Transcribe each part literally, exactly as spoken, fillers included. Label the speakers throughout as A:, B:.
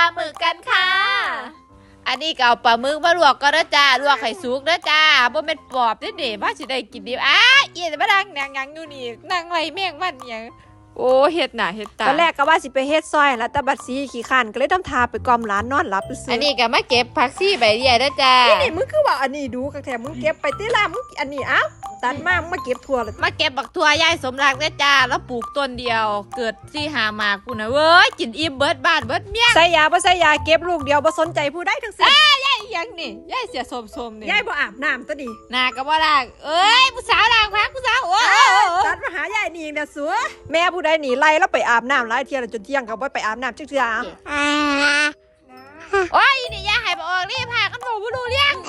A: หมึกกันค่ะอันนี้ก็เอาปลาหมึกมาลวกก็ได้จ้าลวกไข่สุกได้จ้าบ่เป็นปอบได้เด็ว่าสิได้กินดีอ้าเอียมาดังนางยังอยู่นี่นางไรแม่งมันยังโอ้เฮ็ดหน้าเฮ็ดตา
B: ตอนแรกก็ว่าสิไปเฮ็ดซอยแล้วแต่บัดซีขี้ข้านก็เลยทำทาไปกอมร้านนอนหลับซื้อ
A: อันนี้ก็มาเก็บผักซี่ใบเดียได้จ้า
B: นี่มึงคือว่าอันนี้ดูกักแถมมึงเก็บไปตีละมึงอันนี้อ้าวตัดมามึงมาเก็บทั่วเลย
A: มาเก็บบักทั่วยายสมรักได้จ้าแล้วปลูกต้นเดียวเกิดซี่หาหมากกูนะเว้ยกินอิ่มเบิดบ้านเบิดเมีย
B: ใส่ยาบ่ใส่ยาเก็บลูกเดียวบ่สนใจผู้ใดทั้งสิ้น
A: ยายยังนี่ยายเสียสมๆนี่
B: ยายบ่อาบน้ำตะดิ
A: นาก็บ่ล้างเอ้ยผู้สาวล้างพักผู้สาวโอ้
B: ตัดมาหายายนี่เองเด้อสัวแม่ผู้ใดหนีไล่แล้วไปอาบน้ำหลายเที่ยแล้วจนเที่ยงก็บ่ไปอาบน้ำจักเทื่อ
A: โอ้ยนี่ยายให้บ่ออกรีบพากันบ่บ่รู้เรื่อง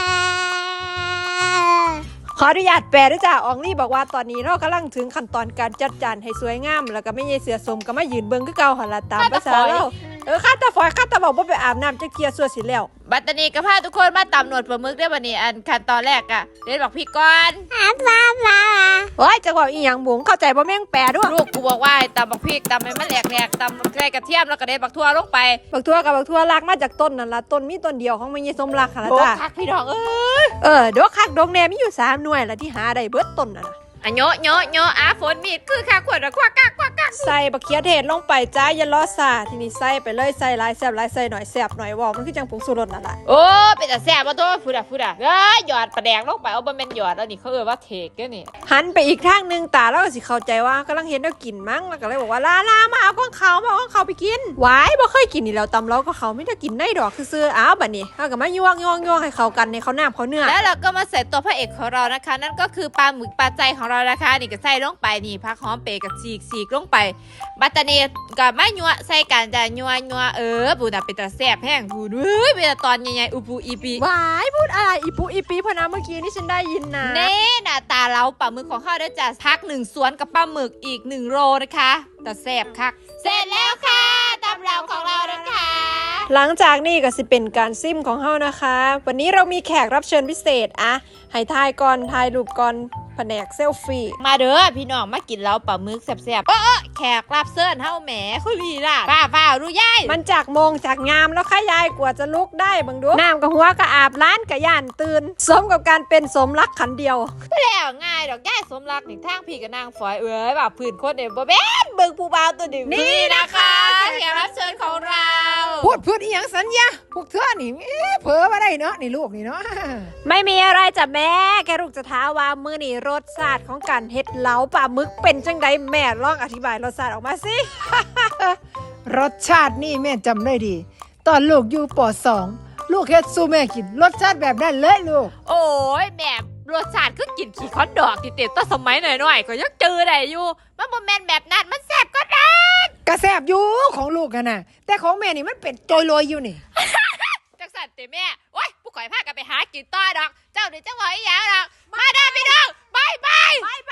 B: ขออนุญาตแปลด้วยจ้าอองลี่บอกว่าตอนนี้เรากำลังถึงขั้นตอนการจัดจานให้สวยงามแล้วก็ไม่ใช่เสือสมก็มายืนเบิ่งคือเก่าหั่นล่ะตามภาษาเราเออข้าตาฝอยข้าตาบอกว่าไปอาบน้ำจักเที่ยซั่วสิแล้ว
A: บัดตรนี้ก็พาทุกคนมาตำหนวดปลาหมึกได้บัดนี้อันขั้นตอนแรกอะเล่นบอกพี่ก่อน
B: โอ้ยจะบอกอีหยังบุ๋งเข้าใจบ่แม่งแปลด้วย
A: ลูกกูบอกว่าตำบักพริกตำให้มันแหลกๆตำใส่กระเทียมแล้วก็เด็ดบักทั่วลงไป
B: บักทั่วกับบักทั่วลากมาจากต้นนั่นล่ะต้นมีต้นเดียวของแม่ยายสมรักหั่นล่ะจ้า
A: โอ้คักพี่น้องเอ้ย
B: เออดอกคักดอกแหน่มีอยู่สามหน่วยล่ะที่หาได้เบิดต้นน่ะ
A: อะโยโยโยอาฝนมีดคือคักขวดควักกักควักกัก
B: ใส่บักเขียเทศลงไปจ้าอย่ารอซาทีนี้ใส่ไปเลยใส่หลายแซ่บหลายใส่หน่อยแซ่บหน่อยว่ามันคือจังผงชูรสนั่นล่ะ
A: โอ้เป็นแต่แซ่บบ่ตัวพูดอ่ะพูดอ่ะเอ้ยหยอดปลาแดงลงไปเอาบ่แม่นหยอดแล้วนี่เขาเอิ้นว่าเทกเด้อนี่
B: หันไปอีกทางนึงตาแล้วก็สิเข้าใจว่ากำลังเห็นแล้วกินมั้งแล้วก็เลยบอกว่าลาลามาเอาของเขามาเอาของเขาไปกินหวายบ่เคยกินนี่แล้วตำแล้วก็เขาไม่ได้กินในดอกซื่อๆอ้าวบัดนี้เฮาก็มายวงยวงยวงให้เข้ากันในเขาน้ำเขาเนื้อ
A: แล้วเราก็มาใส่ตัวพระเอกของเรานะคะนั่นก็คือปลาหมึกปลาใจของเรานะคะนี่ก็ใส่ลงไปนี่ผักหอมเปรย์กับฉีกฉีกลงไปบัตตานีกับมะยัวใส่กันจะยัวยัวเออปูน่ะเป็นตาแซ่บแห้งพูดเฮ้ยเป็นตอนใหญ่ๆอุปูอีปี
B: วายพูดอะไรอีปูอีปีพอนะเมื่อกี้นี่ฉันได้ยินนะ
A: เน่หน้าตาเราปลาหมึกของเขาได้จะพักหนึ่งสวนกับปลาหมึกอีกหนึ่งโลนะคะแต่แซ่บคักเสร็จแล้วค่ะตำเราของเรานะคะ
B: หลังจากนี้ก็สิเป็นการซิมของเฮานะคะวันนี้เรามีแขกรับเชิญพิเศษอะให้ทายก่อนทายรูปก่อนแผนกเซลฟี่
A: มาเด้อพี่น้องมากินแล้วปลาหมึกแซ่บๆเออแขกรับเชิญเฮาแหมคุลีล่ะฟ้าฟ้ารู้ยาย
B: มันจากโมงจากงามแล้วค่ะยายกว่าจะลุกได้บังดูน้ำกับหัวก็อาบล้านกับย่านตื่นสมกับการเป็นสมรักขันเดียว
A: แล้วง่ายดอกยายสมรักนี่ทางพี่กับนางฝอยเอ้ยแบบพื้นคนเด็กบ่แม่นเบิ่งผู้บ่าวตัวนี้นี่นะคะแขกรับเชิญของเรา
B: พูดพูดอีหยังสัญญาพวกเธอนี่เผลอมาได้เนาะนี่ลูกนี่เนาะไม่มีอะไรจ้ะแม่แค่ลูกจะท้าว่ามื้อนี้รสชาติของการเฮ็ดเล้าปลาหมึกเป็นจังไดแม่ลองอธิบายรสชาติออกมาสิ
C: รสชาตินี่แม่จำได้ดีตอนลูกอยู่ป.สอง ลูกเฮ็ดสู้แม่กินรสชาติแบบนั้นเลยลูก
A: โอ้ยแม่รสชาติคือกินขี้คอนดอกติเต็มตั้งสมัยหน่อยๆก็ยังเจอได้อยู่มันบ่แม่นแบบนั้นมันแซ่บก็ได้
C: กระแซ่บอยู่ของลูกกันน่ะแต่ของแม่นี่มันเป็นโจยลอยอยู่นี่
A: จังสั่นเตแม่โอ๊ยผู้ข่อยพากันไปหากินต่อดอกเจ้านี่จังหวะอีหยังดอกมาเด้อพี่น้องบายบาย